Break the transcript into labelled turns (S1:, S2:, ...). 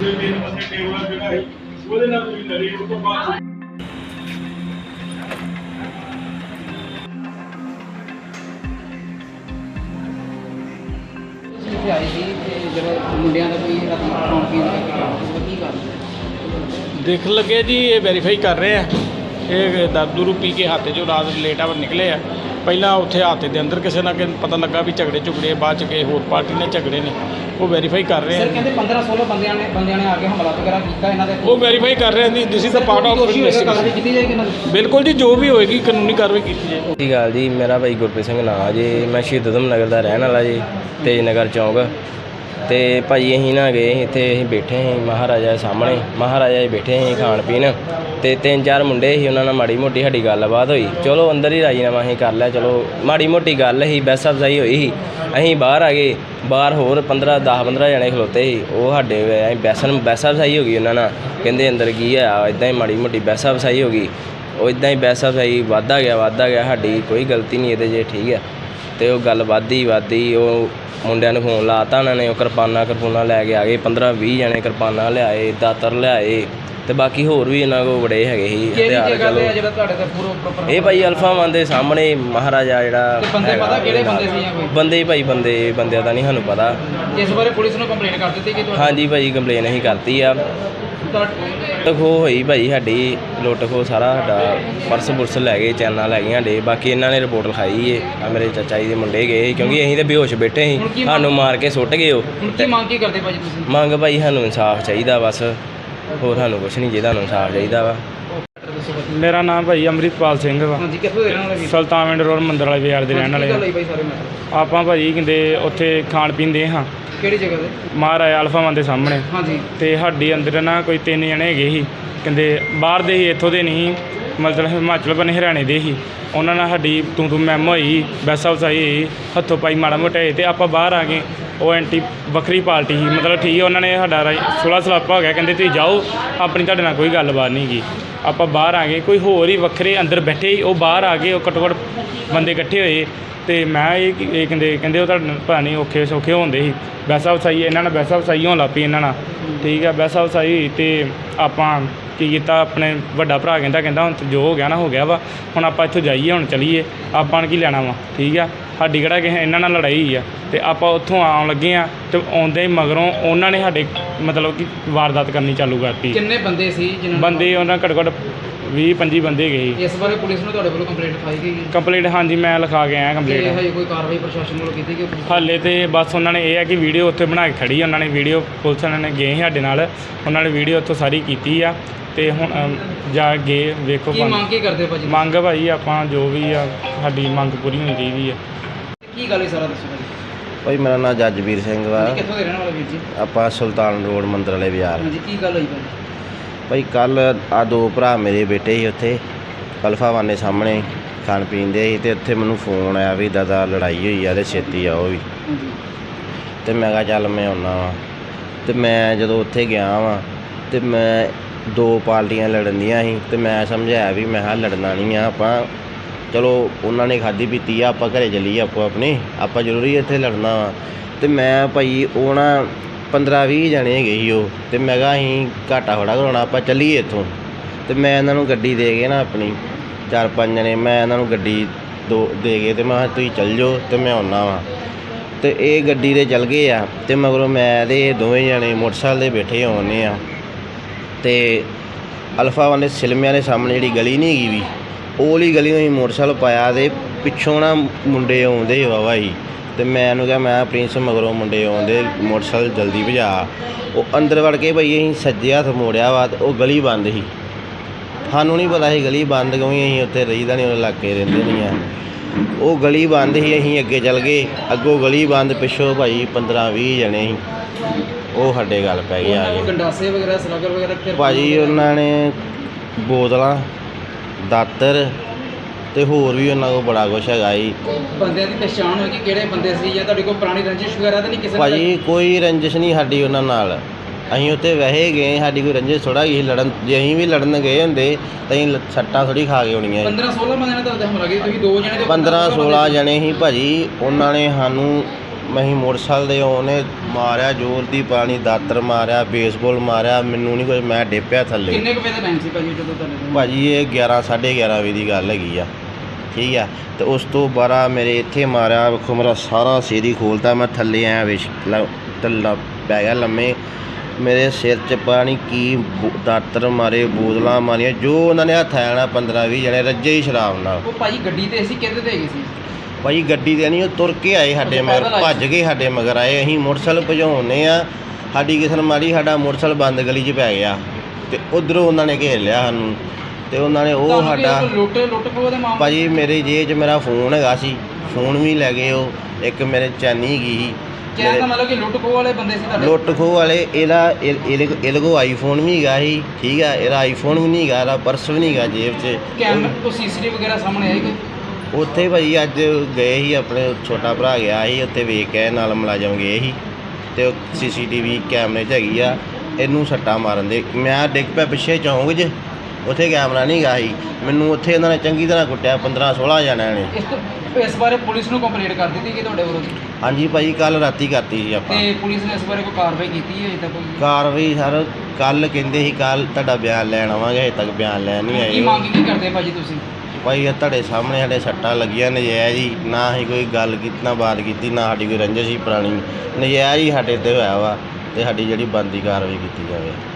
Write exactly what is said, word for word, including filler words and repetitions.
S1: देख लगे जी ये वेरीफाई कर रहे हैं ये दारू पी के हाथे जो रात लेट आवर निकले आ पहला उत्थे हाथे के अंदर किसी ना कि पता लगा भी झगड़े झुगड़े बाद च के होर पार्टी ने झगड़े ने वो वेरीफाई कर रहे हैं।
S2: पंद्रह सोलह बंदियां ने बंदियां ने आके हमला वगैरह किया इन्हां दे
S1: वो वेरीफाई कर रहे हैं। This is the part of investigation. बिल्कुल जी जो भी होएगी कानूनी कार्रवाई की जाएगी।
S3: सही गल जी मेरा भाई गुरप्रीत सिंह नाम जी मैं शहीद उधम नगर का रहने वाला जी तेज नगर चौंक तो भाई अं ना गए इतने अं बैठे हैं महाराजा सामने महाराजा बैठे हैं खाण पीन तो तीन चार मुंडे ही उन्होंने माड़ी मोटी साड़ी गलबात हुई चलो अंदर ही राजीनामा अं कर लिया चलो माड़ी मोटी गल ही बहस अफजाई हुई ही अं बाहर आ गए बाहर होर पंद्रह दस पंद्रह जने खलोते ही वो साढ़े बहस बहस अफजाई हो गई उन्होंने कहते अंदर की है इदा ही माड़ी मोटी बहस अफजाई हो गई वो इदा ही बहस अफजाई वाधा गया वाधा गया साड़ी कोई गलती नहीं ये जे ठीक है तो गल वधी वधी वो मुंडिया फोन लाता उन्होंने किरपाना किरपूना लैके आ गए पंद्रह भी जने किरपाना लियाए दातर लियाए तो बाकी होर भी इन्होंने को बड़े है हथियार चलो ये भाई अल्फा वन के सामने महाराजा जोड़ा बंदे भाई बंदे बंदे का नहीं सानू पता हाँ जी भाई कंप्लेन अं करती आ लुट खो हुई भाई साड़ी लुट खो सारा साडा पर्स पुरस लै गए चैना लै गए साडे बाकी इन्होंने रिपोर्ट लिखाई है मेरे चाचा जी के मुंडे गए क्योंकि अं तो बेहोश बैठे ही सानू मार के सुट गए मंग भाई सानू इंसाफ चाहिए बस होर सानू कुछ नहीं चाहिए इंसाफ चाहिए वा।
S1: मेरा नाम भाई अमृतपाल सिंह वा सुल्तानविंड रोड मंदिर वाले बाजार के रहने वाले आप भाई कहते उत्थे खाण पीन दे हाँ
S2: ਕਿਹੜੀ ਜਗ੍ਹਾ ਤੇ
S1: महाराजा अल्फा वन के सामने
S2: ਹਾਂਜੀ
S1: तो साड़ी अंदर ना कोई तीन जने है ही कहते बाहर दे ही इत्थों दे नहीं मतलब हिमाचल बने हरियाणे दे ही उन्होंने साड़ी तू तू मैम हुई बैसा वसाई हुई हथों पाई माड़ा मोटा तो आप बाहर आ गए वो एंटी वक्री पार्टी ही मतलब ठीक है उन्होंने साडा सुलह सलापा हो गया कहते तुम जाओ अपनी तुहाडे नाल कोई गलबात नहीं की आप बाहर आ गए कोई होर ही वक्रे अंदर बैठे ही वो बाहर आ गए घट्टो घट्ट बंदे इकट्ठे होए तो मैं ये कहते कहते वो पता नहीं औखे सौखे होंदे ही बैसा वसाई इन्होंने बैसा वसाई होन लग पई इन्होंने ठीक है बैसा वसाई हुई तो आपां की कीता अपने वड्डा भरा कहता कहता हुण जो हो गया ना हो गया वा हुण आपां इत्थों जाइए हुण चलीए आपां की लैना वा ठीक है साडी किहड़ा किसे इन्हां नाल लड़ाई है तो आपां उत्थों आउण लगे आ तो आउंदे ही मगरों उन्होंने साडे मतलब कि वारदात करनी चालू करती।
S2: किन्ने बंदे सी
S1: बंदे उन्होंने घट्टो घट्ट भी पंजी बंदे गए।
S2: इस बारे पुलिस ने तुहाडे वल्लों कंप्लेंट लिखाई गई
S1: कंप्लेंट हाँ जी मैं लिखा के आया कंप्लेंट
S2: हजे कोई कार्रवाई प्रशासन वालों की गई
S1: हाले तो बस उन्होंने ये है कि वीडियो उत्थे बना के खड़ी उन्होंने वीडियो पुलिस ने गए साडे नाल उन्होंने वीडियो उत्थों सारी की आ तो हुण जा गए वेखो
S2: मंग की करदे भाजी
S1: मंग भाई आपां जो भी आ साडी मंग पूरी होनी चाहिए है।
S2: की गल सारा दसो
S3: भाई मेरा नाम जजवीर सिंह वा
S2: कित्थों दे रहण वाले वीर जी
S3: आपां सुल्तान रोड मंदिर वाले बाजार
S2: हाँ जी की गल होई भाई
S3: भाई कल आ दो भरा मेरे बेटे ही उत्थे अल्फा वन के सामने खाण पीन दे तो उत्थे मैनू फोन आया भी दादा लड़ाई हुई है तो छेती आओ भी तो मैं कहा चल मैं आउना वा तो मैं जदों उत्थे गया वा तो मैं दो पार्टियां लड़न दियां सी तो मैं समझाया भी मैं हाँ लड़ना नहीं आ आपां चलो उन्होंने खाधी पीती आ आपां घरे चलीए आपो अपने आपां जरूरी इत्थे लड़ना वा तो मैं भाई वो ना पंद्रह भी जने गए वो तो मैं कहा अं घाटा थोड़ा कराना आप चलीए इतों तो मैं इन्हों गड्डी दे गए ना अपनी चार पाँच जने मैं इन्हों गड्डी दो दे गए तो मैं तुम चल जाओ तो मैं आना वा तो ये गड्डी दे चल गए आ तो मगरों मैं तो दोवें जने मोटरसाइकिल पर बैठे आने आ तो अल्फा वन सिलमिया के सामने जी गली नहीं गई भी ओली गली में मोटरसाइकिल पाया तो पिछों ना मुंडे आउंदे वावा ही तो मैं उन्होंने कहा मैं प्रिंस मगरों मुंडे आउंदे मोटरसाइकिल जल्दी भजा वो अंदर वड़ के भाई अं सज्जे हथ मोड़िया वा तो वो गली बंद ही सानू नहीं पता ही गली बंद क्योंकि अं उत्थे रहीदा नहीं इलाके रहिंदे नहीं है वो गली बंद ही अं अगे चल गए अगों गली बंद पिछों भाई पंद्रह भी जने ही वो साडे गल पै गए आ गए भाजी उन्होंने बोतलां दातर तो होर भी उन्होंने को बड़ा कुछ है जी
S2: बंदे की पहचान होगी किहड़े बंदे सी या तुहाडी कोई पुरानी रंजिश वगैरह तो नहीं किसी
S3: भाजी कोई रंजिश नहीं साडी उन्हां नाल असीं उत्थे वैसे गए साडी कोई रंजिश थोड़ा ही लड़न जे असीं भी लड़न गए होंदे तो असीं सट्टां थोड़ी खा के होणीआं
S2: पंद्रह सोलह बंदे ने तुहाडे हमला कीता तुसीं दो जने
S3: पंद्रह सोलह जने ही भाजी उन्होंने सानू ਅਸੀਂ ਮੋਟਰਸਾਈਕਲ ਦੇ ਉਹਨੇ ਮਾਰਿਆ ਜ਼ੋਰ ਦੀ ਪਾਣੀ ਦਾਤਰ ਮਾਰਿਆ ਬੇਸਬਾਲ ਮਾਰਿਆ ਮੈਨੂੰ ਨਹੀਂ ਕੁਝ ਮੈਂ ਡਿੱਪਿਆ ਥੱਲੇ।
S2: ਕਿੰਨੇ ਕੁ ਵਜੇ ਦਾ ਟਾਈਮ ਸੀ ਭਾਜੀ ਜਦੋਂ ਤੁਹਾਡੇ
S3: ਭਾਜੀ ਇਹ ਗਿਆਰਾਂ ਸਾਢੇ ਗਿਆਰਾਂ ਵਜੇ ਦੀ ਗੱਲ ਹੈਗੀ ਆ, ਠੀਕ ਆ। ਤੇ ਉਸ ਤੋਂ ਬਾਅਦ ਮੇਰੇ ਇੱਥੇ ਮਾਰਿਆ, ਵੇਖੋ ਮੇਰਾ ਸਾਰਾ ਸਿਰ ਹੀ ਖੋਲ੍ਹਤਾ, ਮੈਂ ਥੱਲੇ ਆਇਆ ਵਿਸ਼ ਥੱਲਾ ਪੈ ਗਿਆ ਲੰਮੇ। ਮੇਰੇ ਸਿਰ 'ਚ ਪਾਣੀ ਕੀ ਬੋ- ਦਾਤਰ ਮਾਰੇ, ਬੋਤਲਾਂ ਮਾਰੀਆਂ, ਜੋ ਉਹਨਾਂ ਨੇ ਹੱਥ ਆਣਾ ਪੰਦਰਾਂ ਵੀਹ ਜਣੇ ਰੱਜੇ ਹੀ ਸ਼ਰਾਬ ਨਾਲ।
S2: ਉਹ ਭਾਜੀ ਗੱਡੀ ਤੇ ਸੀ ਕਿਹਦੇ ਤੇ ਹੈਗੇ ਸੀ?
S3: ਭਾਈ ਗੱਡੀ ਤੇ ਨਹੀਂ, ਉਹ ਤੁਰ ਕੇ ਆਏ ਸਾਡੇ
S2: ਅੱਛਾ,
S3: ਮਗਰ,
S2: ਪੈਦਲ ਆਏ
S3: ਭੱਜ ਕੇ ਸਾਡੇ ਮਗਰ ਆਏ। ਅਸੀਂ ਮੋਟਰਸਾਈਕਲ ਭਜਾਉਣੇ ਆ, ਸਾਡੀ ਕਿਸਨ ਮਾਰੀ, ਸਾਡਾ ਮੋਟਰਸਾਈਕਲ ਬੰਦ ਗਲੀ 'ਚ ਪੈ ਗਿਆ ਤੇ ਉਧਰੋਂ ਉਹਨਾਂ ਨੇ ਘੇਰ ਲਿਆ ਸਾਨੂੰ ਤੇ ਉਹਨਾਂ ਨੇ ਉਹ
S2: ਤੁਹਾਨੂੰ ਕੀ
S3: ਸਾਡਾ
S2: ਕੋਈ ਲੁੱਟ ਲੁੱਟ ਖੋਹ ਦੇ ਮਾਮਲੇ?
S3: ਭਾਜੀ ਮੇਰੇ ਜੇਬ 'ਚ ਮੇਰਾ ਫੋਨ ਹੈਗਾ ਸੀ, ਫੋਨ ਵੀ ਲੈ ਗਏ ਉਹ। ਇੱਕ ਮੇਰੇ ਚੈਨੀ ਹੈਗੀ ਸੀ।
S2: ਕਹਿਣ ਦਾ ਮਤਲਬ ਕਿ ਲੁੱਟ ਖੋਹ ਵਾਲੇ ਬੰਦੇ ਸੀ ਤੁਹਾਡੇ?
S3: ਲੁੱਟ ਖੋਹ ਵਾਲੇ ਇਹਦਾ ਇਹ- ਇਹਦੇ ਇਹਦੇ ਕੋਲ ਆਈਫੋਨ ਵੀ ਹੈਗਾ ਸੀ, ਠੀਕ ਆ। ਇਹਦਾ ਆਈਫੋਨ ਵੀ ਨਹੀਂ ਹੈਗਾ, ਇਹਦਾ ਪਰਸ ਵੀ ਨਹੀਂ ਹੈਗਾ ਜੇਬ 'ਚ।
S2: ਕੈਮਰਾ ਤੋਂ ਸੀਸੀਟੀਵੀ ਵਗੈਰਾ ਸਾਹਮਣੇ ਆਈ ਕੋਈ?
S3: ਉੱਥੇ ਭਾਈ ਅੱਜ ਗਏ ਸੀ, ਆਪਣੇ ਛੋਟਾ ਭਰਾ ਗਿਆ ਸੀ ਉੱਥੇ, ਵੇਖ ਕੇ ਆਏ, ਨਾਲ ਮੁਲਾਜ਼ਮ ਗਏ ਸੀ ਤੇ ਉਹ ਸੀ ਸੀ ਟੀ ਵੀ ਕੈਮਰੇ 'ਚ ਹੈਗੀ ਆ। ਇਹਨੂੰ ਸੱਟਾਂ ਮਾਰਨ ਦੇ ਮੈਂ ਡਿੱਗ ਪਿਆ ਪਿੱਛੇ ਚੌਂਕ 'ਚ, ਉੱਥੇ ਕੈਮਰਾ ਨਹੀਂ ਹੈਗਾ ਸੀ। ਮੈਨੂੰ ਉੱਥੇ ਇਹਨਾਂ ਨੇ ਚੰਗੀ ਤਰ੍ਹਾਂ ਕੁੱਟਿਆ, ਪੰਦਰਾਂ ਸੋਲ੍ਹਾਂ ਜਣਿਆਂ ਨੇ।
S2: ਇਸ ਤੋਂ ਇਸ ਬਾਰੇ ਪੁਲਿਸ ਨੂੰ ਕੰਪਲੇਂਟ ਕਰ ਦਿੱਤੀ ਕਿ ਤੁਹਾਡੇ ਵੱਲੋਂ?
S3: ਹਾਂਜੀ ਭਾਈ ਕੱਲ ਰਾਤੀ ਕਰਤੀ ਸੀ ਆਪਾਂ।
S2: ਤੇ ਪੁਲਿਸ ਨੇ ਇਸ ਬਾਰੇ ਕੋਈ ਕਾਰਵਾਈ ਕੀਤੀ ਹੈ ਅਜੇ ਤੱਕ ਕੋਈ?
S3: ਕਾਰਵਾਈ ਸਰ ਕੱਲ ਕਹਿੰਦੇ ਸੀ ਕੱਲ ਤੁਹਾਡਾ ਬਿਆਨ ਲੈਣ ਆਵਾਂਗੇ, ਹਜੇ ਤੱਕ ਬਿਆਨ ਲੈਣ ਨਹੀਂ
S2: ਕੀ
S3: ਆਏ।
S2: ਮੰਗ ਕੀ ਕਰਦੇ ਭਾਜੀ ਤੁਸੀਂ?
S3: ਭਾਈ ਇਹ ਤੁਹਾਡੇ ਸਾਹਮਣੇ ਸਾਡੇ ਸੱਟਾਂ ਲੱਗੀਆਂ ਨਜਾਇਜ਼ ਹੀ, ਨਾ ਹੀ ਕੋਈ ਗੱਲ ਕੀਤੀ ਨਾ ਬਾਤ ਕੀਤੀ, ਨਾ ਸਾਡੀ ਕੋਈ ਰੰਜਿਸ਼ ਸੀ ਪੁਰਾਣੀ, ਨਜਾਇਜ਼ ਹੀ ਸਾਡੇ 'ਤੇ ਹੋਇਆ ਵਾ ਤੇ ਸਾਡੀ ਜਿਹੜੀ ਬਣਦੀ ਕਾਰਵਾਈ ਕੀਤੀ ਜਾਵੇ।